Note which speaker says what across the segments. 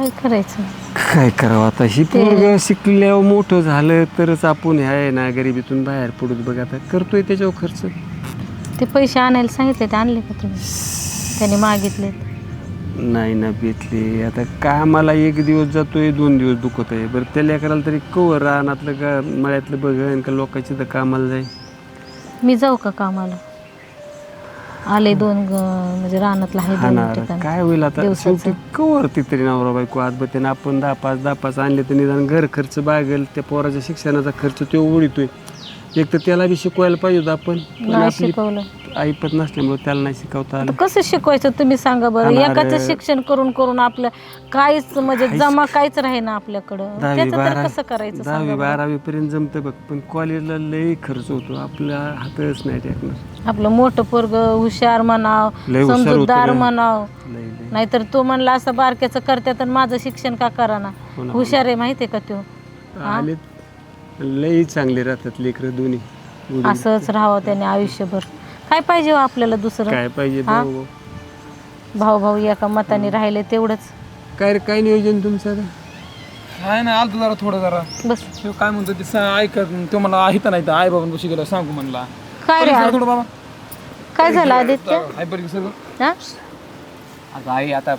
Speaker 1: काय करायचं?
Speaker 2: काय करावं आता? ही पोरग शिकल्यावर मोठं झालं तरच आपण ह्या ना गरिबीतून बाहेर पडूत. बघ आता करतोय त्याच्यावर खर्च.
Speaker 1: ते पैसे आणायला सांगितले, ते आणले का तुम्ही? त्याने मागितले.
Speaker 2: नाही ना भेटले. आता कामाला एक दिवस जातोय, 2 दिवस दुखत आहे. बरं त्या लेकराला तरी कवर रानातलं का मळ्यातलं बघन का लोकांची तर कामाला जाईल.
Speaker 1: मी जाऊ का कामाला? आले म्हणजे रानातला आहे
Speaker 2: हा
Speaker 1: 2
Speaker 2: ना.
Speaker 1: ठिकाणी.
Speaker 2: काय होईल आता? शेवटी कवर तरी नवरा बायको आज बघते आपण 10-5 आणले तर निदान घर खर्च बागेल, त्या पोराच्या शिक्षणाचा खर्च तो उडीतोय. एक तर त्याला बी शिकवायला पाहिजे होतं आपण.
Speaker 1: नाही शिकवलं.
Speaker 2: ऐपत नसल्यामुळे त्याला नाही शिकवता आलं.
Speaker 1: कसं शिकवायचं तुम्ही सांगा बरं? एकाचं शिक्षण करून करून आपलं काहीच म्हणजे जमा काहीच राही ना आपल्याकडं. त्याचं तर कसं करायचं?
Speaker 2: 10वी-12वी पर्यंत जमतं बघ, पण कॉलेजला लई खर्च होतो. आपला हातच नाही टाकणार.
Speaker 1: आपलं मोठं पोरग हुशार म्हणाव, समजूतदार म्हणाव, नाहीतर तो म्हणला असं बारक्याचं करत्यात आणि माझं शिक्षण का करा ना. हुशार आहे माहितीये का तो?
Speaker 2: आले लई चांगले राहतात लेकरं दोन्ही.
Speaker 1: असंच राहावं त्याने आयुष्यभर. काय पाहिजे हो आपल्याला दुसरं?
Speaker 2: काय पाहिजे?
Speaker 1: भाऊ भाऊ एका मताने राहिले तेवढंच.
Speaker 2: काय नियोजन तुमचं?
Speaker 3: काय नाही आलं जरा थोडं जरा
Speaker 1: बस.
Speaker 3: तो काय म्हणतो ते ऐकत तो मला ऐकता नाही तर आई बाबांपाशी गेला सांगू म्हणला.
Speaker 1: काय रे
Speaker 3: थोडं बाबा
Speaker 1: काय झालं आदित्य?
Speaker 3: हायपर सगळं.
Speaker 1: हा?
Speaker 4: अगं आई आता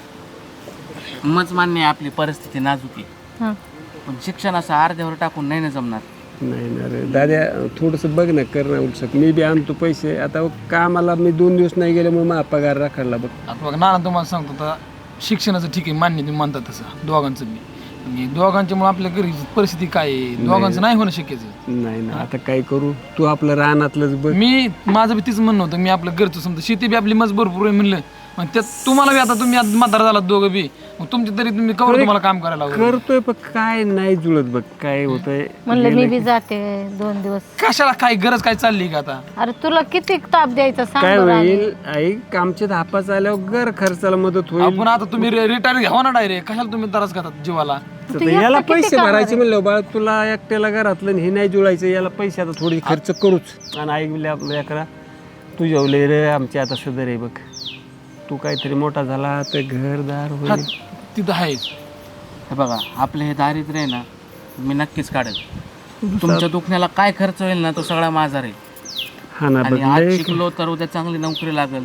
Speaker 4: मच मान्य आहे आपली परिस्थिती नाजूक आहे,
Speaker 1: हा.
Speaker 4: पण शिक्षण असं अर्ध्यावर टाकून नाही ना जमणार.
Speaker 2: नाही ना रे दाद्या, थोडंसं बघ ना, कर ना उलसक. मी बी आणतो पैसे. आता कामाला मी 2 दिवस नाही गेल्यामुळे माझा पगार राखायला बघ.
Speaker 3: आता बघा नाना तुम्हाला सांगतो आता शिक्षणाचं ठीक आहे मान्य तुम्ही म्हणता तसं दोघांचं बी दोघांच्यामुळे आपल्या घरी परिस्थिती काय आहे दोघांचं नाही होणं शक्यच
Speaker 2: नाही ना आता काय करू? तू आपलं रानातलंच बघ.
Speaker 3: मी माझं बी तीच म्हणणं होतं मी आपलं घरचं समजा शेती बी आपली मज भरपूर आहे म्हणलं मग त्यात तुम्हाला बी आता तुम्ही म्हातारा झालात दोघं बी मग तुमची तरी तुम्ही कवर तुम्हाला काम करायला
Speaker 2: करतोय पण काय नाही जुळत बघ. काय होतंय
Speaker 1: म्हणलं मी बी जाते 2 दिवस.
Speaker 3: कशाला काय गरज काय चालली का आता?
Speaker 1: अरे तुला किती ताप द्यायचा सांग
Speaker 2: काय
Speaker 1: बरं.
Speaker 2: होईल ऐक, आमचे धापाच आल्यावर घर खर्चाला मदत होईल.
Speaker 3: आपण आता तुम्ही रिटायर घ्यावा ना डायरेक्ट कशाला तुम्ही त्रास घेतात जीवाला?
Speaker 2: तर याला पैसे भरायचे म्हणलं बाळ, तुला एकट्याला घरातलं हे नाही जुळायचं. याला पैसे आता थोडी खर्च करूच. आणि ऐकले आपल्या करा तू जेवले रे आमची आता सदर आहे बघ. तू काहीतरी मोठा झाला तर घरदार होईल.
Speaker 3: तिथं आहेच.
Speaker 4: हे बघा आपलं हे दारिद्र्य आहे ना मी नक्कीच काढेल. तुमच्या दुखण्याला काय खर्च होईल ना तो सगळा माझा राहील.
Speaker 2: हा ना
Speaker 4: आणि आज शिकलो तर उद्या चांगली नोकरी लागेल,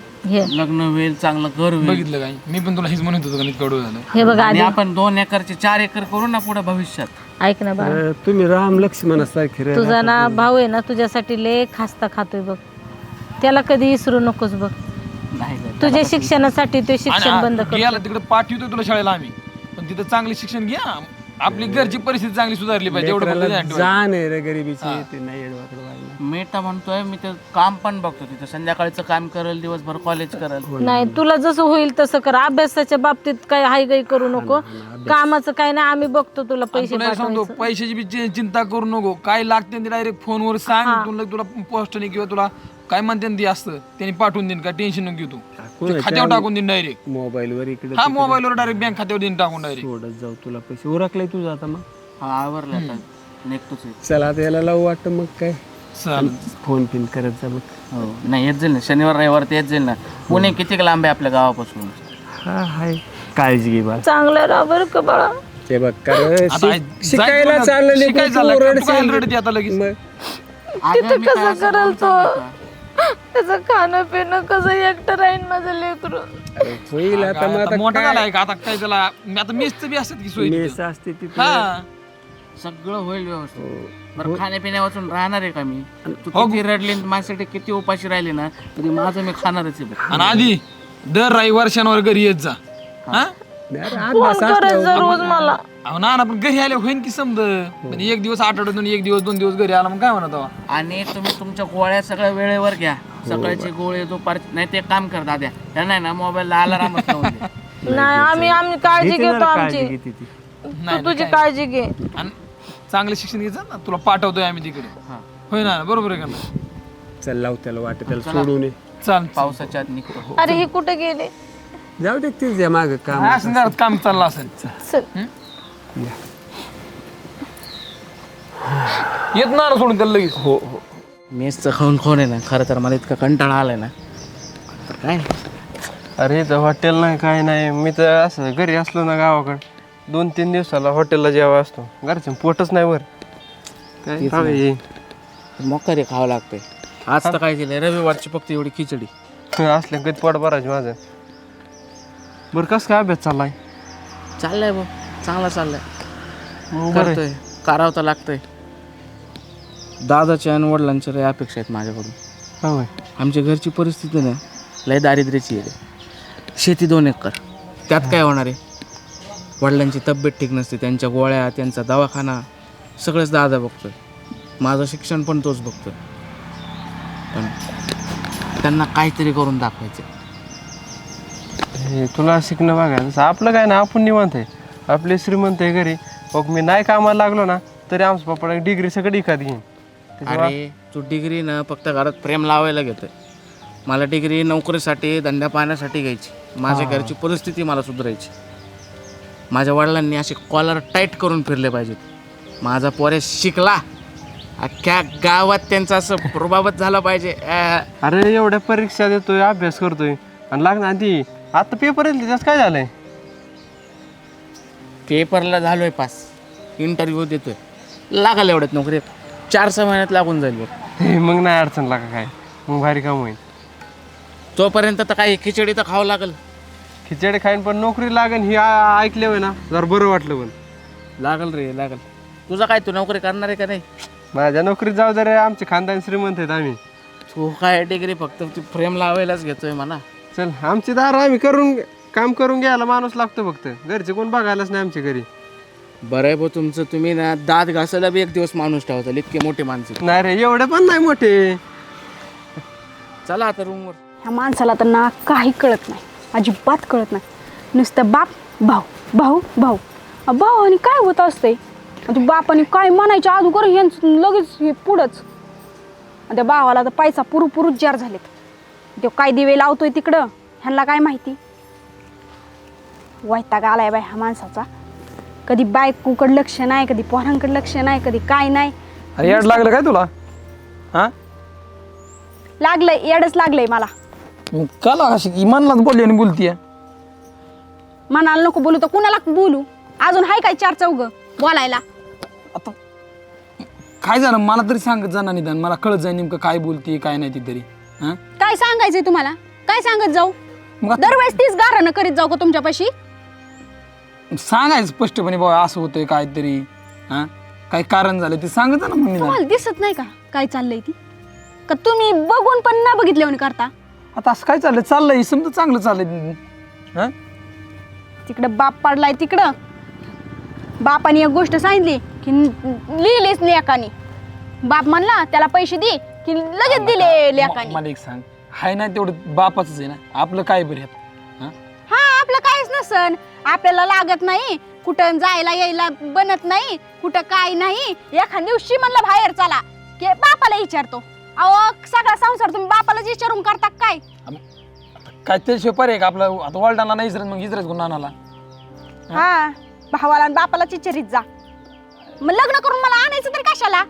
Speaker 4: लग्न होईल, चांगलं घर होईल.
Speaker 3: बघितलं काय मी पण तुला हेच म्हणत होतो का कडू झालं.
Speaker 1: हे बघा
Speaker 4: आणि आपण 2 एकरचे 4 एकर करू ना पुढे भविष्यात.
Speaker 1: ऐक ना बाळा,
Speaker 2: तुम्ही राम लक्ष्मणासारखे रे.
Speaker 1: तुझा ना भाऊ आहे ना तुझ्यासाठी लय खास्ता खातोय बघ. त्याला कधी विसरू नकोस बघ.
Speaker 4: नाही
Speaker 1: तुझ्या शिक्षणासाठी ते शिक्षण बंद कर.
Speaker 3: याला तिकडे पाठवतो तुला शाळेला आम्ही पण तिथं चांगले शिक्षण घ्या. आपली घरची परिस्थिती चांगली सुधारली पाहिजे एवढं फक्त ध्यान ठेवा.
Speaker 2: जाण आहे रे गरिबीची. ते नाही एडवाकडे व्हायला.
Speaker 4: मी तर म्हणतोय मी ते काम पण बघतो तिथं संध्याकाळचं काम करेल, दिवसभर कॉलेज करेल.
Speaker 1: नाही तुला जसं होईल तसं कर. अभ्यासाच्या बाबतीत काही हायगाई करू नको. कामाचं काय नाही आम्ही बघतो तुला पैसे
Speaker 3: तुला सांगतो
Speaker 1: पाठवायचं.
Speaker 3: पैशाची बी चिंता करू नको. काय लागते डायरेक्ट फोनवर सांग. तुला पोस्टने किंवा तुला काय म्हणते ते असतं त्यांनी पाठवून देईन. काय टेन्शन नको घेऊ तू. खात्यावर टाकून देईन डायरेक्ट.
Speaker 2: मोबाईल वर इकडे
Speaker 3: हा मोबाईलवर डायरेक्ट बँक खात्यावर देईन टाकून डायरेक्ट.
Speaker 2: थोडं जाऊ तुला पैसे उरकले तुझं आता. मग
Speaker 4: हा आवरलं आता निघतोच आहे.
Speaker 2: चला आता याला लावू वाटतं मग काय
Speaker 3: चालेल.
Speaker 2: फोन पिन करत जा मग.
Speaker 4: हो नाही येत जाईल ना शनिवार रविवार ते येत जाईल ना. पुणे किती लांब आहे आपल्या गावापासून?
Speaker 2: हा हाय काळजी घे बा.
Speaker 1: चांगलं राहा बरं का बाळा.
Speaker 2: ते बघ कर
Speaker 3: आता
Speaker 2: शिकायला चाललं
Speaker 3: शिकायचं झालं का? तू काय रडते आता लगेच?
Speaker 1: तिथं कसं करल तो? त्याचं खाणं पिणं कसं एकटं राहीन माझं लेकरू.
Speaker 2: होईल आता. मग
Speaker 3: आता
Speaker 2: आता
Speaker 3: मोठा झालाय का आता काय त्याला आता मेसचं बी असतात की सोय तिथं.
Speaker 2: मेस असते तिथे.
Speaker 3: हा
Speaker 4: सगळं होईल व्यवस्थित. बरं खाण्यापिण्या वाचून राहणार आहे का मी? तू किती रडली माझ्यासाठी किती उपाशी राहिली ना तरी माझं मी खाणारच आहे.
Speaker 3: आणि आधी दर रविवार शनिवार घरी येत जा. हा
Speaker 1: फोन करायचं रोज मला.
Speaker 3: अहो ना पण घरी आले होईन की समज. म्हणजे 1 दिवस आठवड्यातून 1 दिवस 2 दिवस घरी आला मग काय म्हणत आहो.
Speaker 4: आणि तुम्ही तुमच्या गोळ्या सगळ्या वेळेवर घ्या. सकाळची गोळी दुपारची नाही ते काम कर दाद्या. त्या नाही ना मोबाईलला अलाराम
Speaker 1: नाही आम्ही काळजी घेतो आमची.
Speaker 2: घेते ती.
Speaker 1: तू तुझी काळजी घे.
Speaker 3: आणि चांगलं शिक्षण घ्यायचं ना तुला पाठवतोय आम्ही तिकडे. होय ना बरोबर आहे का ना?
Speaker 2: चल लाव त्याला वाटत त्याला सोडून ये.
Speaker 3: चाल
Speaker 4: पावसाच्या आत निघतो.
Speaker 1: अरे हे कुठे गेले?
Speaker 2: जाऊ दे तीच या माग काम.
Speaker 3: असं जरा काम चाललं असेल.
Speaker 1: चल
Speaker 3: येत ना सोडून त्याला लगेच.
Speaker 2: हो हो.
Speaker 4: मेसचं खाऊन खाऊन आहे ना खरं तर मला इतका कंटाळा आलाय ना तर काय.
Speaker 5: अरे इथं हॉटेल नाही काय नाही. मी तर असं घरी असलो ना गावाकडं 2-3 दिवसाला हॉटेलला जेवा असतो, घरच्या पोटच नाही वर काय खावे.
Speaker 4: मक्का खावं लागतंय. आज तर काय केलंय, रविवारची फक्त एवढी खिचडी.
Speaker 5: असल्या कधी पोट भरायचं माझं. बरं कसं काय अभ्यास चाललाय?
Speaker 4: चाललंय भाऊ, चांगला चाललाय.
Speaker 5: मग बरं आहे.
Speaker 4: करतोय, करावं तर लागतंय. दादाच्या आणि वडिलांच्या लय अपेक्षा आहेत माझ्याकडून.
Speaker 5: होय.
Speaker 4: आमच्या घरची परिस्थिती ना लय दारिद्र्याची आहे. शेती 2 एकर, त्यात काय होणार आहे. वडिलांची तब्येत ठीक नसते, त्यांच्या गोळ्या, त्यांचा दवाखाना सगळंच दादा बघतोय. माझं शिक्षण पण तोच बघतोय. पण त्यांना काहीतरी करून दाखवायचं.
Speaker 5: हे तुला शिकणं बघा, जसं आपलं काय ना, आपण निवांत आहे, आपले श्रीमंत आहे घरी. मग मी नाही कामाला लागलो ना तरी आमचं पप्पा डिग्री सगळी एखाद घेईन.
Speaker 4: अरे तू डिग्री ना फक्त घरात प्रेम लावायला घेतोय. मला डिग्री नोकरीसाठी, धंदा पाहण्यासाठी घ्यायची. माझ्या घरची परिस्थिती मला सुधारायची. माझ्या वडिलांनी असे कॉलर टाईट करून फिरले पाहिजेत. माझा पोरे शिकला, अख्ख्या गावात त्यांचा असं प्रभावच झाला पाहिजे.
Speaker 5: अरे एवढ्या परीक्षा देतोय, अभ्यास करतोय आणि लागणार आधी आता पेपर येईल त्याच काय झालंय?
Speaker 4: पेपरला झालोय पास, इंटरव्ह्यू देतोय, लागल एवढ्यात नोकरी 4-6 महिन्यात लागून जाईल बघ.
Speaker 5: मग नाही अडचण लागा काय, मग भारी काम होईल.
Speaker 4: तोपर्यंत तर काही खिचडी तर खावं लागल.
Speaker 5: खिचडी खाईन पण नोकरी लागेल ही ऐकले होय ना, जरा बरं वाटलं. पण
Speaker 4: लागल रे लागल. तुझा काय, तू नोकरी करणार आहे का नाही?
Speaker 5: माझ्या नोकरीत जाऊ दे रे, आमचे खानदान श्रीमंत आहेत आम्ही.
Speaker 4: तू काय डिग्री फक्त तू फ्रेम लावायलाच घेतोय म्हणा.
Speaker 5: चल आमची दार आम्ही काम करून घ्यायला माणूस लागतो, फक्त घरचे कोण बघायलाच नाही आमच्या घरी.
Speaker 4: बरं आहे भाऊ तुमचं. तुम्ही ना दात घासायला बी 1 दिवस माणूस ठेवताल, इतके मोठे माणसं.
Speaker 5: नाही रे एवढे पण नाही मोठे.
Speaker 4: चला आता रूमवर.
Speaker 6: ह्या माणसाला तर ना काही कळत नाही, अजिबात कळत नाही. नुसतं बाप भाऊ भाऊ भाऊ भाऊ आणि काय होत असते. बापाने काय म्हणायच्या अगोदर ह्यांचं लगेच हे पुढंच. त्या भावाला तर पैसा पुरूच जार झालेत. तो काय दिवे लावतोय तिकडं, ह्यांना काय माहिती. वैताग आलाय बाय ह्या माणसाचा. कधी बायकोकडे लक्ष नाही, कधी पोरांकडे लक्ष नाही, कधी काय नाही.
Speaker 3: अरे याड लागलं काय तुला? हा
Speaker 6: लागलंय, येडच लागलंय मला.
Speaker 3: का लागाशी इमानलाच बोलली आणि बोलतीये.
Speaker 6: मनाला नको बोलू तर कुणाला बोलू? अजून हाय काय 4 चौघ बोलायला?
Speaker 3: आता काय झालं मला तरी सांगत जा ना निदान, मला कळत जाईल नेमकं काय बोलते काय नाही ती तरी. हा
Speaker 6: काय सांगायचंय तुम्हाला? काय सांगत जाऊ?
Speaker 3: मग
Speaker 6: दरवेळेस तीच गारणं करीत जाऊ का तुमच्यापाशी?
Speaker 3: सांगायचं स्पष्टपणे बाबा असं होतंय काहीतरी, हा काय कारण झालं ते सांगत जा ना मग निदान.
Speaker 6: तुम्हाला दिसत नाही का काय चाललंय ती? का तुम्ही बघून पण ना बघितल्यावर करता?
Speaker 3: आता असं काय चाललंय समजा चांगलं चाललंय. हा
Speaker 6: तिकडं बाप पडलाय, तिकडं बापाने एक गोष्ट सांगितली की लिहिलीच लेकानी. बाप म्हणला त्याला पैसे दे की लगेच दिले लेकानी.
Speaker 3: मला एक सांग, हाय ना तेवढं बापाचंच आहे ना, आपलं काय बरं ह्यात? हा
Speaker 6: हा आपलं काहीच नसन, आपल्याला लागत नाही, कुठं जायला यायला बनत नाही, कुठं काय नाही. एखाद्या दिवशी म्हणलं बाहेर चला की बापाला विचारतो. अहो सगळा संसार तुम्ही बापालाच विचारून करता काय?
Speaker 3: काय त्याशिवाय पर्याय का आपला? आता वडिलांना नाही इजरत, मग इजरत गुन्हा आणाला.
Speaker 6: हा भावाला आणि बापालाच विचारित जा. मग लग्न करून मला आणायचं तरी कशाला?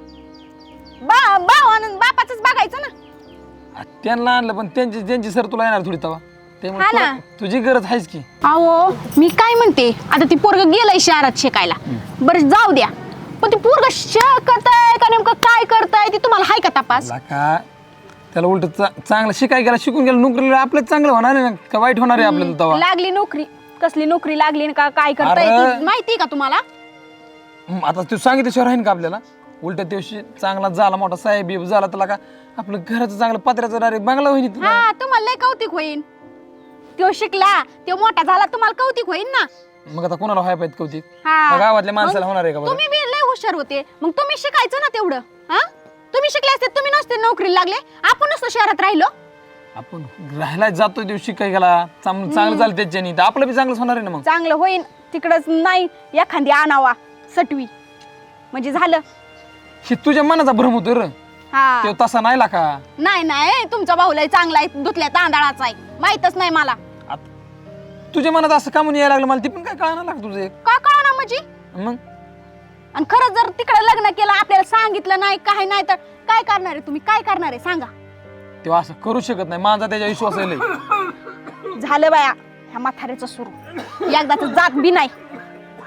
Speaker 6: भावानं बापाचंच बघायचं ना.
Speaker 3: त्यांना आणलं पण त्यांची सर तुला येणार थोडी तवा.
Speaker 6: हा ना.
Speaker 3: तुझी गरज आहेच की.
Speaker 6: अहो मी काय म्हणते, आता ती पोरग गेलंय शहरात शिकायला, बरं जाऊ द्या, पण ती पोरग करताय का नेमकं काय करताय ती तुम्हाला हाय का तपास?
Speaker 3: का त्याला उलट चांगलं शिकाय गेला, शिकून गेला, नोकरीला आपलं चांगलं होणार आहे ना का वाईट होणार आहे आपल्याला तवा?
Speaker 6: लागली नोकरी, कसली नोकरी लागली का काय करताय ती माहिती का तुम्हाला?
Speaker 3: आता तू सांगितल्याशिवाय राहीन का आपल्याला? उलट दिवशी चांगला झाला, मोठा साहेब बिब झाला, त्याला का आपलं घराचं चांगलं पत्र्याचं डायरेक्ट बंगला होईल.
Speaker 6: हा तुम्हाला लय कौतिक होईल. तो शिकला, तो मोठा झाला, तुम्हाला कौतिक होईल ना.
Speaker 3: मग आता कोणाला व्हाय पाहिजे कौतिक?
Speaker 6: हा.
Speaker 3: गावातल्या माणसाला होणार आहे का?
Speaker 6: तुम्ही बी लय हुशार होते, मग तुम्ही शिकायचं ना तेवढं. हा तुम्ही शिकले असते, तुम्ही नसते नोकरीला लागले, आपण नसतो शहरात राहिलो.
Speaker 3: आपण राहायला जातो दिवशी काय गेला चांगलं झालं त्याच्यानी, तर आपलं बी चांगलंच होणार आहे ना. मग
Speaker 6: चांगलं होईन तिकडच नाही, एखादी आणावा सटवी म्हणजे झालं.
Speaker 3: हे तुझ्या मनाचा भ्रम होतो र,
Speaker 6: हा
Speaker 3: तो तसा नाही ला का?
Speaker 6: नाही तुमचा भाऊ लय चांगला आहे, धुतल्या तांदळाचा आहे, माहितच नाही मला.
Speaker 3: तुझ्या मनात असं का म्हणून यायला लागलं मला ते पण काय कळणार लागलं तुझं एक.
Speaker 6: का कळना म्हणजे?
Speaker 3: मग
Speaker 6: आणि खरंच जर तिकडे लग्न केलं, आपल्याला सांगितलं नाही काय नाही, तर काय करणार आहे तुम्ही? काय करणार आहे सांगा?
Speaker 3: तेव्हा असं करू शकत नाही, माझा त्याच्या विश्वास आहे.
Speaker 6: झालं बाया ह्या म्हाताऱ्याचं सुरू, एकदाच जात बी नाही.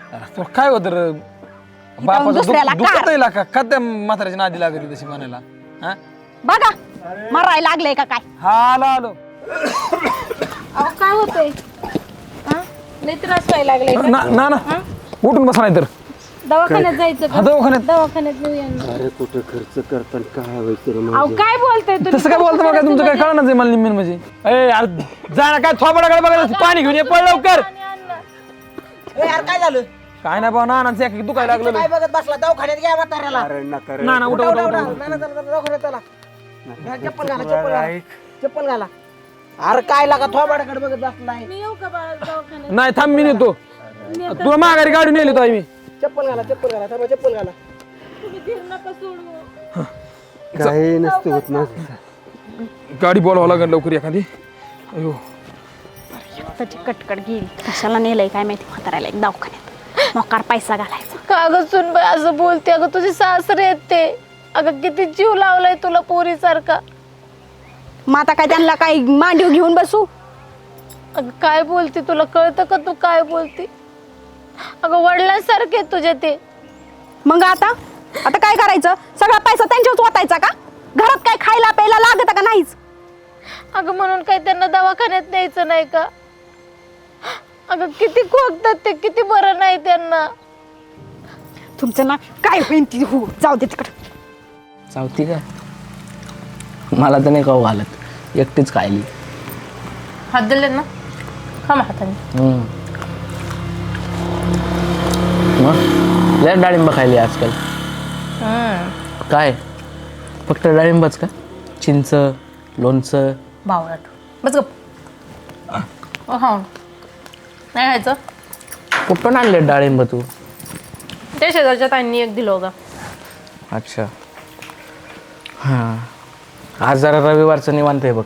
Speaker 3: अरे तुला काय होतं रे बापाचं
Speaker 6: दुसऱ्याला
Speaker 3: दुखत येईल का त्या म्हाताऱ्याच्या नादी लागली तशी म्हणायला हा
Speaker 6: बघा मरायला लागले का काय?
Speaker 3: हा आलो
Speaker 1: अहो काय होतंय हा? लय त्रास व्हायला लागलाय का?
Speaker 3: ना ना उठून बसा नाही तर
Speaker 1: दवाखान्यात जायचं
Speaker 3: हा
Speaker 1: का?
Speaker 3: दवाखान्यात
Speaker 1: दवाखान्यात नेऊया ना.
Speaker 2: अरे कुठं खर्च करताना काय व्हायचं
Speaker 1: अहो काय बोलताय तुम्ही?
Speaker 3: तसं काय बोलतो बघा तुमचं काय कळणार नाही मला निम्मीन म्हणजे ए यार जा ना काय थोबडाकडे बघायचं पाणी घेऊन ये पळ लवकर
Speaker 7: यार काय झालं
Speaker 3: काय नाही बाबा नानांचं एक दुखायला लागलं
Speaker 7: काय बघत बसला दवाखान्यात घ्या म्हाताऱ्याला
Speaker 2: अरे नका रे.
Speaker 3: ना ना उठा उठा उठा
Speaker 7: नाना चला दवाखान्यात चला घ्या, चप्पल घाला चप्पल घाला अरे काय लागा थोबाडाकडे बघत बसलाय
Speaker 1: मी येऊ का बाळा दवाखान्यात?
Speaker 3: नाही थांब मी नेतो तुला माघारी गाडी नेली तो मी
Speaker 7: चप्पल घाला थांबा चप्पल घाला
Speaker 1: तुम्ही धीर नका सोडू.
Speaker 2: काही नसतं होत ना
Speaker 3: गाडी बोलावं लागेल लवकर एखादी अयो
Speaker 6: त्याची कटकट गेली कशाला नेलंय काय माहिती म्हाताऱ्याला एक दवाखान्यात मोकार पैसा घालायचा.
Speaker 1: का ग सुनबाई असं बोलते? अगं तुझे सासरे आहेत ते. अगं किती जीव लावलाय तुला पोरीसारखा.
Speaker 6: मग आता काय त्यांना काय मांडीव घेऊन बसू?
Speaker 1: अगं काय बोलते? तुला कळतं का तू काय बोलते? अगं वडिलांसारखे आहेत तुझे ते.
Speaker 6: मग आता आता काय करायचं? सगळा पैसा त्यांच्यावर वाटायचा का? घरात काय खायला प्यायला लागत का नाहीच?
Speaker 1: अगं म्हणून काय त्यांना दवाखान्यात न्यायचं नाही का? अगं किती खोकतात ते, किती बरं नाही त्यांना.
Speaker 6: तुमचं ना काय होईन ती हो जाऊ दे तिकडे.
Speaker 4: चावती का मला तर नाही खाऊ घालत एकटीच खायली.
Speaker 1: हात दिले ना खा हाताने.
Speaker 4: मग लय डाळिंब खायली आजकाल. काय फक्त डाळिंबच का? चिंच लोणचं
Speaker 1: बावळाट बस गप. हा नाही खायचं.
Speaker 4: कुठून आणले डाळिंब तू?
Speaker 1: ते शेजारच्या ताईंनी एक दिलं होतं.
Speaker 4: अच्छा हां आज जरा रविवारचं निवांत आहे बघ.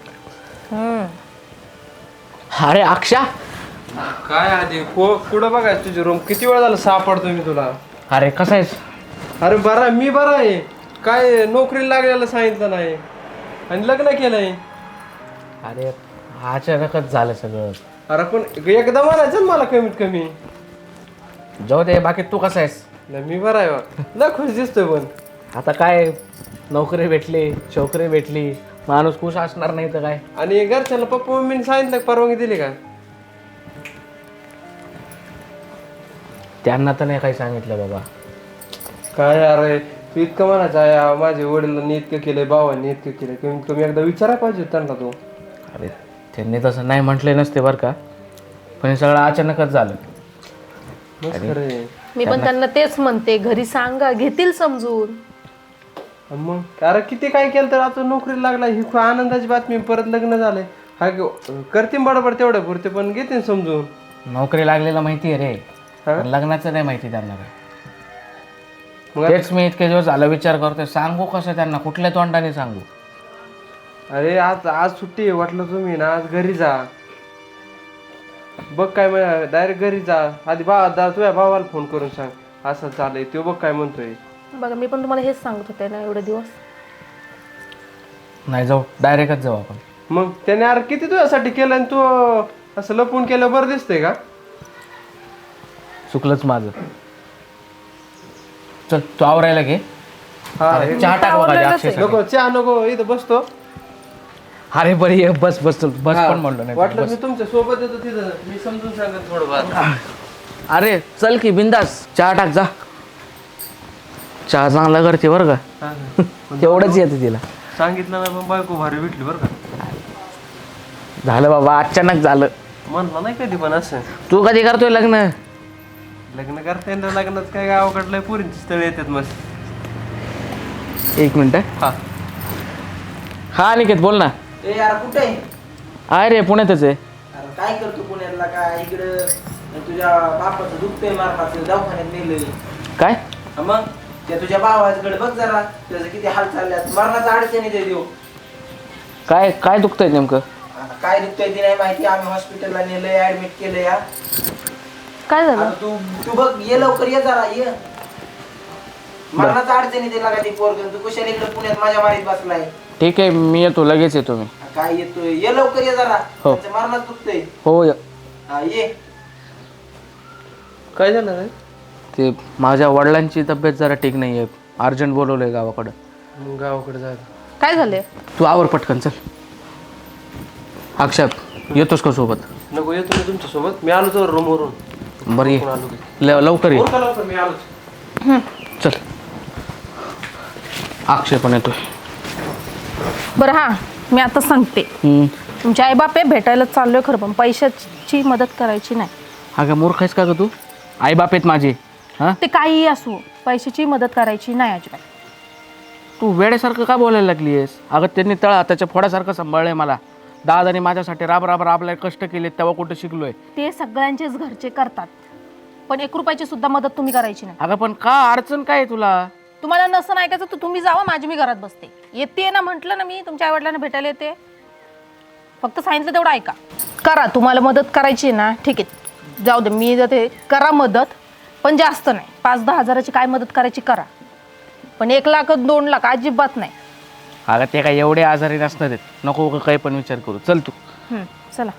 Speaker 4: अरे अक्षा
Speaker 5: काय आधी कुठं बघायचं तुझी रूम किती वेळ झालं सापडतो मी तुला.
Speaker 4: अरे कसा आहेस?
Speaker 5: अरे बरा मी बरा आहे. काय नोकरीला लागलेलं सांगितलं नाही आणि लग्न केलंय.
Speaker 4: अरे अचानकच झालं सगळं.
Speaker 5: अरे पण एकदा म्हणायचं ना मला कमीत कमी.
Speaker 4: जाऊ दे बाकी तू कसा आहेस?
Speaker 5: नाही मी बरा आहे बा. लय खुश दिसतोय पण.
Speaker 4: आता काय नोकरी भेटली छोकरी भेटली माणूस खुश असणार नाही तर काय.
Speaker 5: आणि घरच्याला पप्पा मम्मीने सांगितलं का परवानगी दिली का?
Speaker 4: त्यांना तर नाही काही सांगितलं बाबा.
Speaker 5: काय अरे तू इतकं म्हणायचं माझे वडिलांनी इतकं केलंय भावांनी इतकं केलंय कमीत कमी एकदा विचारायला पाहिजे त्यांना तू.
Speaker 4: अरे त्यांनी तसं नाही म्हटले नसते बरं का पण हे सगळं अचानकच झालं.
Speaker 5: मस्त खरंय.
Speaker 1: मी पण त्यांना तेच म्हणते घरी सांगा घेतील समजून.
Speaker 5: मग अरे किती काय केलं तर आता नोकरीला लागला ही खूप आनंदाची बातमी. परत लग्न झालंय हा करते बरोबर तेवढ्या पुरते पण घेते समजून.
Speaker 4: नोकरी लागलेलं माहिती आहे रे
Speaker 5: हा?
Speaker 4: पण लग्नाचं नाही माहिती त्यांना काय.
Speaker 5: मग
Speaker 4: तेच मी इतके दिवस झाला विचार करतोय सांगू कसं त्यांना कुठल्या तोंडाने सांगू.
Speaker 5: अरे आज सुट्टी आहे वाटलं तुम्ही ना आज घरी जा बघ काय डायरेक्ट घरी जा आधी तुझ्या भावाला फोन करून सांग असं चाललंय तो बघ काय म्हणतोय.
Speaker 1: बघा मी पण तुम्हाला हेच सांगत होते ना एवढे दिवस.
Speaker 4: नाही जाऊ डायरेक्टच जाऊ आपण.
Speaker 5: मग त्याने अरे किती तुझ्यासाठी केलं आणि तू असं लपून केलं बरं दिसतंय का?
Speaker 4: चुकलंच माझं. चल तू आवरायला घे.
Speaker 5: हा
Speaker 4: चहा टाक बघा आधी अक्षयसाठी.
Speaker 5: नको चहा नको इथं बसतो.
Speaker 4: अरे बरी ये बस बस बस पण म्हणलो नाही
Speaker 5: वाटलं
Speaker 4: बस.
Speaker 5: मी तुमच्या सोबत येतो तिथं मी समजून सांगत थोडं.
Speaker 4: अरे चल की बिंदास चहा टाक जा. चहा चांगला करते बरं का तेवढंच येतं तिला.
Speaker 5: सांगितलं ना पण बायको भारी भेटली बरं का.
Speaker 4: झालं बाबा अचानक झालं.
Speaker 5: म्हणलं नाही कधी पण असं
Speaker 4: तू कधी करतोय लग्न?
Speaker 5: लग्न करता येणार लग्नात काय गावाकडलं पोरींची स्थळ येतात मस्त.
Speaker 4: एक मिनिट.
Speaker 5: हा
Speaker 4: हा निकेत बोल ना.
Speaker 7: ए यार कुठे आहे?
Speaker 4: अरे पुण्यातच आहे.
Speaker 7: अरे काय करतो पुण्यातला काय इकडं तुझ्या बापाचं दुखतंय मारपाचं दवाखान्यात नेलंय.
Speaker 4: काय
Speaker 7: हा मग त्या तुझ्या भावाकडे बघ जरा त्याचं किती हाल चालल्यात मरणाचा अडचणी ते देऊ.
Speaker 4: काय काय दुखतंय नेमकं?
Speaker 7: आता काय दुखतंय ते नाही माहिती आम्ही हॉस्पिटलला नेलंय ऍडमिट केलंय या.
Speaker 1: काय झालं?
Speaker 7: आता तू बघ ये लवकर ये जरा ये. मरणाचा अडचणी दिला का ती पोरग तू कुशाला इकडे पुण्यात माझ्या मारीत बसलाय.
Speaker 4: ठीक आहे मी येतो लगेच येतो मी.
Speaker 7: काय येतोय ये लवकर ये जरा
Speaker 4: हो.
Speaker 7: त्याचं मरणाच दुखतंय.
Speaker 4: हो
Speaker 7: हा ये.
Speaker 5: काय झालं रे?
Speaker 4: ते माझ्या वडिलांची तब्येत जरा ठीक नाही आहे, अर्जंट बोलवलं आहे गावाकडं.
Speaker 5: मग गावाकडे जायचं.
Speaker 6: काय झालंय?
Speaker 4: तू आवर पटकन चल. अक्षत येतोस का सोबत?
Speaker 5: नको, येतो मी तुमच्यासोबत. मी आलो तर रूमवरून.
Speaker 4: बरं ये, लवकर ये.
Speaker 5: लवकर मी आलोच.
Speaker 4: चल. अक्षय पण येतोय.
Speaker 6: बरं हां, मी आता सांगते. तुमचे आईबाप आहे, भेटायला चाललोय खरं, पण पैशाची मदत करायची नाही.
Speaker 4: अगं मूर्ख आहेस का ग तू? आई बाप आहेत माझे. हां,
Speaker 6: ते काहीही असो, पैशाची मदत करायची नाही अजिबात.
Speaker 4: तू वेड्यासारखं का बोलायला लागली आहेस? अगं त्यांनी तळ हाताच्या फोडासारखं सांभाळलंय मला. दादाने माझ्यासाठी राब कष्ट केले, तेव्हा कुठं शिकलोय.
Speaker 6: ते सगळ्यांचेच घरचे करतात, पण 1 रुपयाची सुद्धा मदत तुम्ही करायची नाही.
Speaker 4: अगं पण का अडचण काय आहे तुला?
Speaker 6: तुम्हाला नसं ऐकायचं तर तुम्ही जावा, माझी मी घरात बसते. येते ना, म्हटलं ना मी तुमच्या आईवडिलांना भेटायला येते. फक्त सांगितलं तेवढं ऐका. करा, तुम्हाला मदत करायची आहे ना, ठीक आहे, जाऊ दे, मी जाते. करा मदत, पण जास्त नाही. 5-10 हजाराची काय मदत करायची करा, पण 1 लाख 2 लाख अजिबात नाही.
Speaker 4: अगं ते काय एवढे आजारी नसणार आहेत, नको काही पण विचार करू. चल तू.
Speaker 6: चला,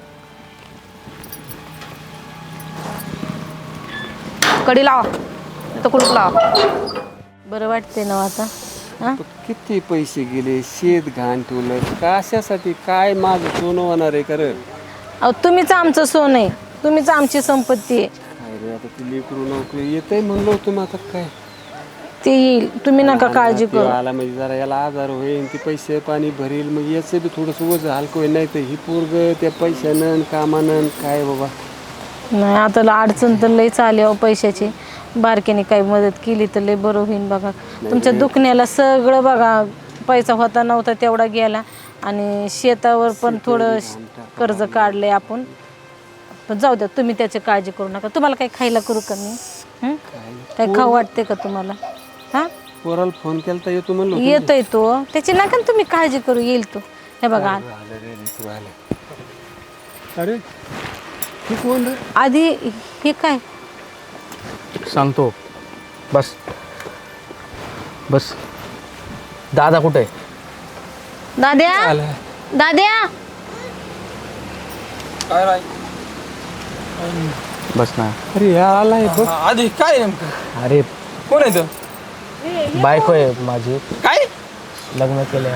Speaker 6: कडी लावा, तर कुलूप लावा.
Speaker 1: बरं वाटते ना आता? हां,
Speaker 2: किती पैसे गेले, शेत घाण ठेवलं कशासाठी? काय माझं सोनं होणार आहे कर?
Speaker 1: अहो तुम्हीच आमचं सोन आहे, तुम्हीच आमची संपत्ती आहे.
Speaker 2: काय रे आता ती लेकरू नोकरी येतंय म्हणलो तुम्ही, आता काय
Speaker 1: ते येईल, तुम्ही नका काळजी
Speaker 2: ते
Speaker 1: करू.
Speaker 2: आला म्हणजे जरा याला आजार होईल, ती पैसे पाणी भरील, मग याचं बी थोडंसं वज हलकं होईल. नाही तर ही पोरग त्या पैशानं कामानं काय बाबा.
Speaker 1: नाही आता अडचण तर लईच आली अहो पैशाची. बारकेने काही मदत केली तर लई बरं होईल बघा. तुमच्या दुखण्याला सगळं बघा, पैसा होता नव्हता तेवढा गेला, आणि शेतावर पण थोडं कर्ज काढलंय आपण. पण जाऊ द्या, तुम्ही त्याची काळजी करू नका. तुम्हाला काही खायला करू का मी? काही खाऊ वाटते का तुम्हाला? हां,
Speaker 2: पोराला फोन केला तर येतो म्हणलो.
Speaker 1: येतोय तो, त्याची नका ना तुम्ही काळजी करू, येईल तो. हे बघा
Speaker 2: अरे हे कोण रे?
Speaker 1: आधी हे काय
Speaker 4: सांगतो. बस बस. दादा कुठे आहे?
Speaker 1: दाद्या, दाद्या,
Speaker 3: काय राय
Speaker 4: बस ना.
Speaker 2: अरे हा आलाय बघ.
Speaker 3: आधी काय नेमकं?
Speaker 4: अरे
Speaker 3: कोण आहे तो?
Speaker 4: बायको आहे माझी,
Speaker 3: काय
Speaker 4: लग्न केलं.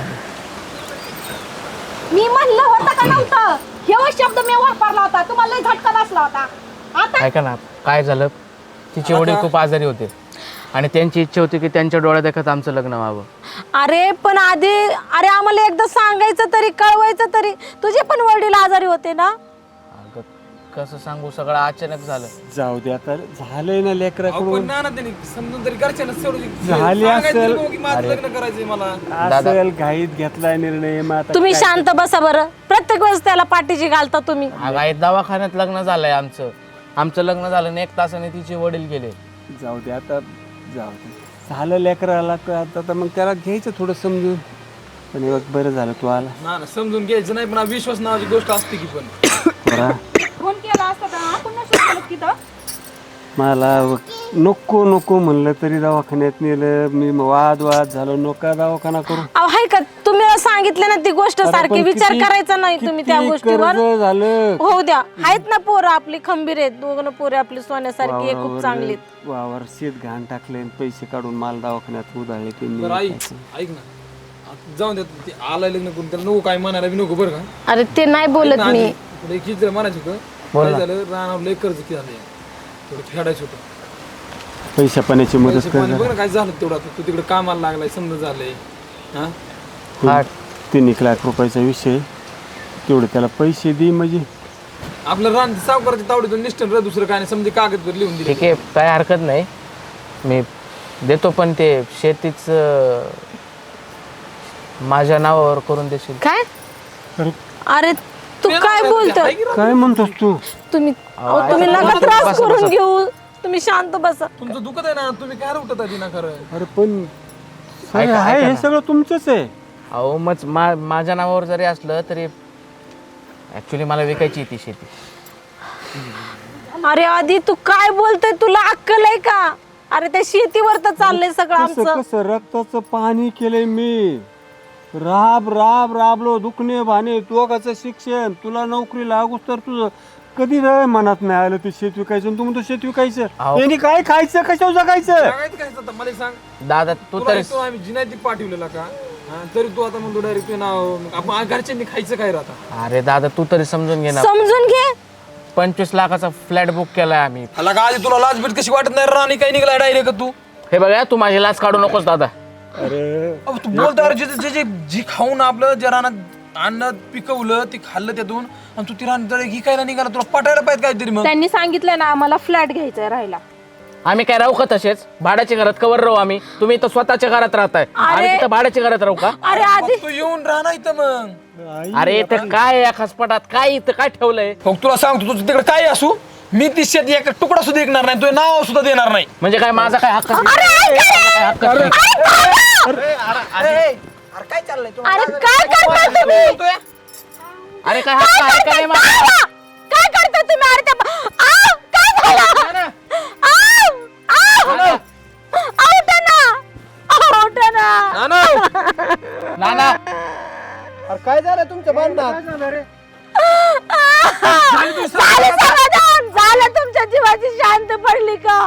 Speaker 6: मी म्हणलं होतं का नव्हतं? हे शब्द मी वापरला होता, तुम्हाला लई झटका बसला होता. आता
Speaker 4: ऐका ना, काय झालं, तिचे वडील खूप आजारी होते आणि त्यांची इच्छा होती की त्यांच्या डोळ्या देखत आमचं लग्न व्हावं.
Speaker 1: अरे पण आधी, अरे आम्हाला एकदा सांगायचं तरी, कळवायचं तरी. तुझे पण वडील आजारी होते ना?
Speaker 4: अगं कसं सांगू, सगळं अचानक झालं.
Speaker 2: जाऊ दे आता, झालंय ना लेकराकडून.
Speaker 3: पण ना त्यांनी समजून तरी घरच्यांना
Speaker 2: झाली असेल.
Speaker 3: की माझं लग्न करायचंय मला.
Speaker 2: असेल घाईत घेतलाय निर्णय. मग आता
Speaker 1: तुम्ही शांत बसा बरं. प्रत्येक वेळेस त्याला पाठीची घालता तुम्ही.
Speaker 4: अगं आई, दवाखान्यात लग्न झालंय आमचं लग्न झालं आणि 1 तासाने तिचे वडील गेले.
Speaker 2: जाऊ दे आता, जाऊ दे, झालं लेकराला का आता मग त्याला घ्यायचं थोडं समजून. पण हे बघ, बरं झालं तू आला.
Speaker 3: ना समजून घ्यायचं नाही, पण विश्वास नावाची गोष्ट असते की. पण
Speaker 2: बरा
Speaker 6: फोन केला असता तर आपण नसतो केलं की तर.
Speaker 2: मला नको नको म्हणलं तरी दवाखान्यात नेलं मी. वाद झालो, नका दवाखाना करू.
Speaker 1: अहो हाय का, तुम्ही सांगितलं ना ती गोष्ट सारखी, विचार करायचा नाही तुम्ही त्या गोष्टीवर.
Speaker 2: कर्ज झालं.
Speaker 1: होऊ द्या, आहेत ना पोरं आपली खंबीर आहेत, दोघं पोरं आपली सोन्यासारखी आहे, खूप चांगली आहेत.
Speaker 2: वावर शेत घाण टाकले, पैसे काढून माल दवाखान्यात उधाळले
Speaker 3: बरं आई,
Speaker 2: त्यांनी.
Speaker 3: ऐक ना, आता जाऊन देत ते आलाय लग्न करून, त्याला नको काय म्हणायला बी नको बरं का.
Speaker 1: अरे ते नाही बोलत मी.
Speaker 3: पुढे किती जर म्हणायचं होतं, काय झालं, रानावर लय कर्ज किती झालं, थोडं फेडायचं होतं.
Speaker 2: पैशा पाण्याची मदत
Speaker 3: पैसे
Speaker 2: कर.
Speaker 3: पाणी बघ ना काय झालं तेवढं. आता तू तिकडे कामाला लागलाय, समजा झालंय. हा
Speaker 2: 3 लाख रुपयाचा विषय, तेवढे त्याला पैसे दे म्हणजे.
Speaker 3: आपलं रान सावकाराच्या तावडीतून निष्ठन र, दुसरं काय नाही, समजे कागदवर लिहून दिले.
Speaker 4: ठीक आहे, काय हरकत नाही, मी देतो. पण ते शेतीच माझ्या नावावर करून देशील?
Speaker 1: काय? अरे तू काय बोलतोय?
Speaker 2: काय म्हणतोस तू?
Speaker 1: तुम्ही तुम्ही नका त्रास करून घेऊ, तुम्ही शांत बसा.
Speaker 3: तुमचं दुखत आहे ना, तुम्ही काय उठत आहे ना खरं.
Speaker 2: अरे पण हे सगळं तुमचंच आहे.
Speaker 4: अहो मग माझ्या नावावर जरी असलं तरी ऍक्च्युली मला विकायची ती शेती.
Speaker 1: अरे आधी तू काय बोलतोय, तुला अक्कल आहे का? अरे त्या शेतीवर तर चाललंय सगळं आमचं.
Speaker 2: कसं रक्ताचं पाणी केलंय मी. राबलो, दुखणे भाणे, दोघाचं शिक्षण, तुला नोकरी लागूस तर तुझं कधी रे मनात नाही आलं ते शेत विकायचं आणि तू म्हणतो शेत विकायचं
Speaker 4: अहो.
Speaker 2: यांनी काय खायचं कशावर जगायचं
Speaker 3: सांगायचं काय आता मला सांग
Speaker 4: दादा तू
Speaker 3: तुला
Speaker 4: तरी
Speaker 3: एक तो आम्ही जिनायती पाठवलेला का हा, तरी तू आता म्हणतो डायरेक्ट नाव आपण घरच्यांनी खायचं काय राहता
Speaker 4: अरे दादा तू तरी समजून घे ना
Speaker 1: समजून घे
Speaker 4: 25 लाखाचा फ्लॅट बुक केलाय आम्ही.
Speaker 3: आला का आधी तुला लाज बीट कशी वाटत नाही राणी काही निघाला डायरेक्ट तू
Speaker 4: हे बघा तू माझी लाच काढू नकोस दादा.
Speaker 3: अहो, तू बोलतो अरे जे जे जी खाऊन आपलं जे रानात अन्न पिकवलं ते खाल्लं त्यातून आणि तू ती रान जळ ही काय निघाला तुला पटायला पाहिजे काहीतरी मग
Speaker 6: त्यांनी सांगितलं ना आम्हाला फ्लॅट घ्यायचा राहायला.
Speaker 4: आम्ही काय राहू का तसेच भाड्याच्या घरात कवर राहू आम्ही. तुम्ही इथं स्वतःच्या घरात राहताय आम्ही तिथं भाड्याच्या घरात राहू का?
Speaker 1: अरे आधी
Speaker 3: तू येऊन राहणार इथं मग
Speaker 4: अरे इथं काय या खसपटात काय इथं काय ठेवलंय?
Speaker 3: मग तुला सांगतो तुझं तिकडे काय असू मी ती शेत एक तुकडा सुद्धा ऐकणार नाही तुझं नाव सुद्धा देणार नाही.
Speaker 4: म्हणजे काय माझा काय हक्क नाही? काय हक्क नाही?
Speaker 7: अरे काय चाललंय तुम्हाला?
Speaker 1: अरे काय करता तुम्ही
Speaker 4: अरे काय हक्क आहे का नाही माझा?
Speaker 1: काय करता तुम्ही अरे काय झालं उठा ना
Speaker 4: नाना
Speaker 5: अरे काय झालं तुमच्या बांधण्यात?
Speaker 1: झालं समाधान झालं तुमच्या जीवाची शांत पडली का?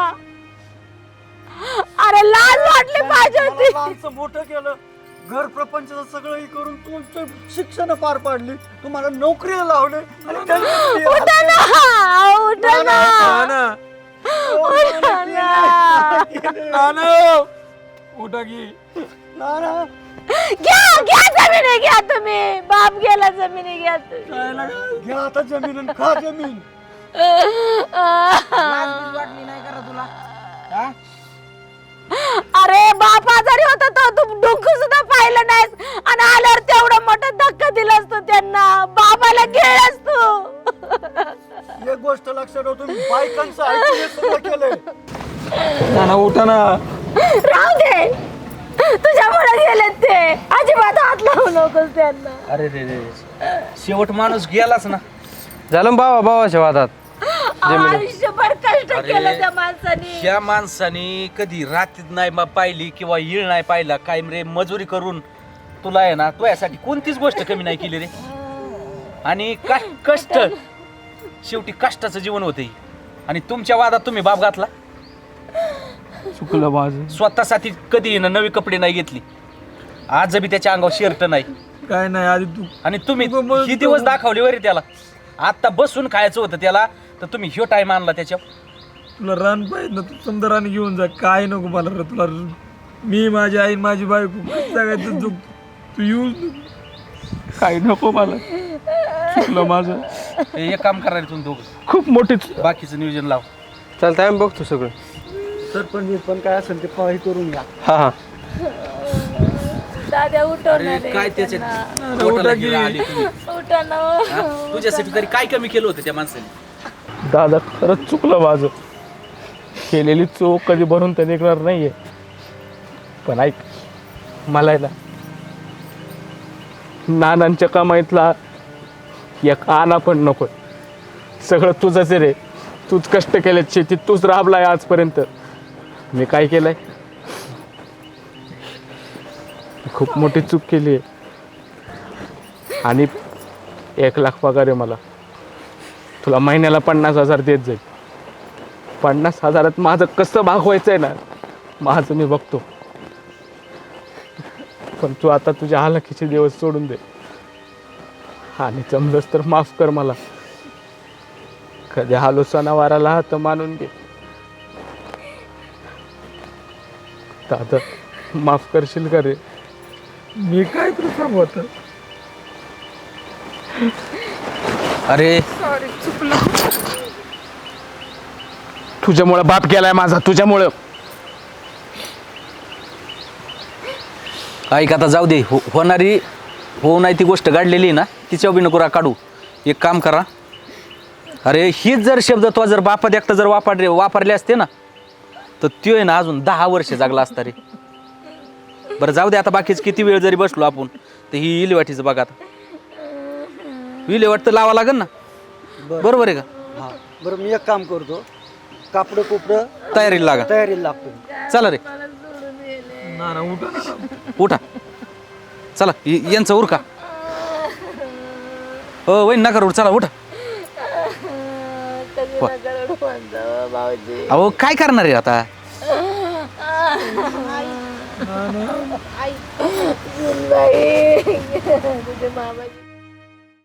Speaker 1: अरे लाज वाटली पाहिजे होती.
Speaker 8: माणसं मोठं केलं घर प्रपंचाचं सगळं करून तुमचं शिक्षण पार पाडली तुम्हाला नोकरीला लावले आणि त्यांनी
Speaker 1: उठा ना उठा ना उठा ना
Speaker 3: उठा की
Speaker 8: नाना
Speaker 1: घ्या जमिनी घ्या तुम्ही बाप गेला जमिनी घ्या तुम्ही.
Speaker 8: घ्या आता जमीन आणि खा जमीन.
Speaker 7: लाज बीज वाटली नाही करा तुला हा?
Speaker 1: अरे बाप आजारी होता तो तू डोकं सुद्धा पाहिलं नाहीस आणि आल्यावर तेवढा मोठा धक्का दिलास तू त्यांना बाबाला गेलास तू.
Speaker 8: एक गोष्ट लक्षात ठेव तुम्ही बायकांचं ऐकून हे सगळं केलंय.
Speaker 3: नाना उठा ना
Speaker 1: राहू दे तुझ्यामुळे गेलेत ते अजिबात हात लावू नकोस त्यांना.
Speaker 9: अरे रे रे शेवट माणूस गेलाच ना.
Speaker 5: झालं बाबा भावाच्या वादात.
Speaker 1: आयुष्यभर कष्ट केलं त्या माणसाने.
Speaker 9: ह्या माणसाने कधी रात्रीत नाही पाहिली किंवा येळ नाही पाहिला काय रे मजुरी करून तुला आहे ना तुझ्यासाठी कोणतीच गोष्ट कमी नाही केली रे. आणि कष्ट शेवटी कष्टाचं जीवन होते आणि तुमच्या वादात तुम्ही बाप घातला.
Speaker 5: चुकलं माझं.
Speaker 9: स्वतःसाठी कधी ना नवी कपडे नाही घेतली आज बी त्याच्या अंगावर शर्ट नाही
Speaker 3: काय नाही आधी तू
Speaker 9: आणि तुम्ही ही दिवस दाखवले वरी त्याला. आता बसून खायचं होतं त्याला तर तुम्ही ह्यो टाइम आणला त्याच्यावर.
Speaker 3: तुला रान पाहिजे ना तू समजा रान घेऊन जा काय नको मला रे तुला मी माझी आई माझी बायको सगळ्यात तू येऊ
Speaker 5: काही नको मला. चुकलं माझं.
Speaker 9: एक काम करा रे तुम्ही दोघं
Speaker 5: खूप मोठीच.
Speaker 9: बाकीचं नियोजन लाव.
Speaker 5: चालतंय आम्ही बघतो सगळं.
Speaker 8: सरपंच पण काय असेल ते हे करून घ्या.
Speaker 5: हा हा
Speaker 1: दादा उठवणार
Speaker 9: अरे काय त्याच्यात पोटाला गिळा आली तुम्ही.
Speaker 1: उठा ना
Speaker 9: हा? तुझ्यासाठी तरी काय कमी केलं होतं त्या माणसाने.
Speaker 5: दादा खरंच चुकलं माझं. केलेली चूक कधी भरून तर निघणार नाहीये. पण ऐक मला आहे ना नानांच्या कमाईतला एक आना पण नको. सगळं तुझंच आहे रे. तूच कष्ट केले शेतीत तूच राबलाय आजपर्यंत. मी काय केलंय खूप मोठी चूक केली आहे. आणि 1 लाख पगार आहे मला. तुला महिन्याला 50,000 देत जाईल. 50,000 माझं कसं भागवायचं आहे ना माझं मी बघतो. पण तू आता तुझ्या हालखीचे दिवस सोडून दे आणि जमलंच तर माफ कर मला. कधी हालो सणावाराला हात मानून घे. दादा माफ करशील का रे?
Speaker 3: मी काय तुला सांगू
Speaker 9: अरे
Speaker 4: तुझ्यामुळं बाप गेलाय माझा तुझ्यामुळं.
Speaker 9: ऐक आता जाऊ दे होणारी होऊ नाही ती गोष्ट गाडलेली ना तिच्या बी नको काढू. एक काम करा अरे हीच जर शब्द तो जर बापात एकटा जर वापरले असते ना तर त्यो आहे ना अजून 10 वर्ष जागला असता रे. बरं जाऊ दे आता बाकीच किती वेळ जरी बसलो आपण तर ही इलेवाटीचं बघा आता. विल्हेवाट तर लावा लागेल ना. बरोबर आहे का?
Speaker 8: हा बरं मी एक काम करतो कापड कुपड
Speaker 9: तयारीला लागा.
Speaker 8: तयारीला लागतो.
Speaker 9: चला रे
Speaker 3: ना उठा
Speaker 9: उठा चला यांचं उरका. हो वही नका उठ चला उठा. अहो काय करणार आहे आता?
Speaker 1: आई, तुझे मामाची